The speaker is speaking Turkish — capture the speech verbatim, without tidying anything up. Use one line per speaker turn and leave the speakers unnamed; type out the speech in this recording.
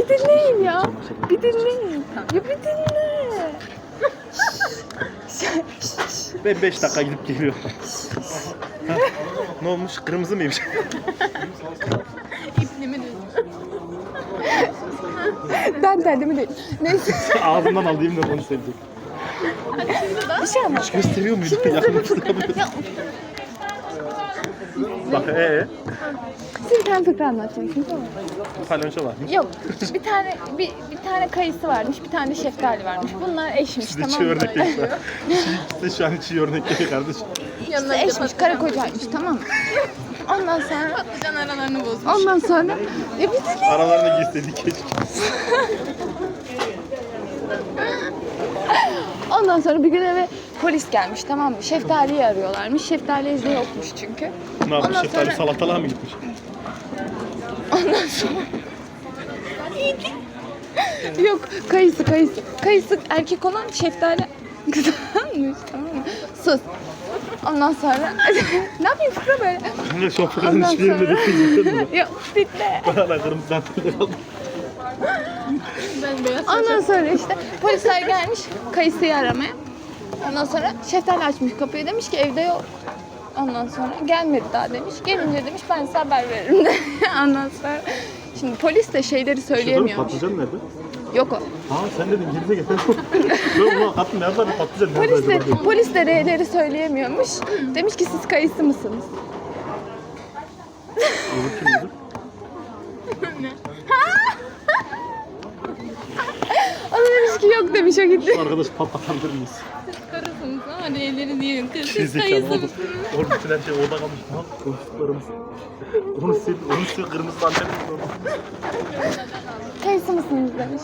Bir dinleyin ya. Bir dinleyin. Ya bir dinle.
Ben beş dakika gidip geliyorum. Ha, ne olmuş? Kırmızı mıymış?
İpliğimi düz.
Ben derdimi değil. Neyse.
Ağzından alayım da onu sevecek.
Bir şey anlat.
Hiç gösteriyor muydu? Yakınlaştırabiliyorsun. Bak ee?
Size bir tane fıkra anlatacağım şimdi, tamam mı?
Palonço varmış.
Yok. Bir tane bir, bir tane kayısı varmış, bir tane de şeftali varmış. Bunlar eşmiş,
Size
tamam
çiğ
mı?
örnek şu an. Size şu an çiğ örnek değil kardeşim.
İşte eşmiş, karı kocaymış, tamam mı? Ondan sonra
Patlıcan aralarını bozmuş.
ondan sonra ya bir dinle.
Aralarına girseydik keşke.
Ondan sonra bir gün eve polis gelmiş, tamam mı? Şeftaliyi arıyorlarmış. Şeftali evde yokmuş çünkü.
Ne yapmış?
Ondan
Şeftali
sonra-
salatalığa mı gitmiş?
Ondan sonra yok, kayısı kayısı. Kayısı erkek olan, şeftali kızanmış, tamam mı? Sus. Ondan sonra ne yapayım fıkra böyle?
Ben de şu an fıkranın
Ondan
hiçbir yerinde
sonra-
değil.
Ya dinle.
Bana kırmızı dantelleri aldım.
Ben beyaz
Ondan sonra işte polisler gelmiş kayısıyı aramaya. Ondan sonra şeftali açmış kapıyı, demiş ki evde yok. Ondan sonra gelmedi daha demiş. Gelince demiş ben size haber veririm de. Ondan sonra şimdi polis de şeyleri söyleyemiyormuş.
Patlıcan nerede?
Yok o.
Ha sen dedin geride gel. Ben buna kattım ne yapar patlıcan nerede?
Polis de,
acaba?
polis de R'leri söyleyemiyormuş. Demiş ki siz kayısı mısınız?
Olur kim olur?
O da demiş ki yok demiş, o gitti.
Arkadaş patlatabilir miyiz?
karısınız ama R'leri diyelim. Kız siz
Gerizekalı
kayısı
oldu.
mısınız?
Oğlum bütün her şey orada kalmış. Ne yaptık konuştuklarımız? Onu sil, onu sil kırmızı dantelimiz orada.
Kayısı mısınız demiş.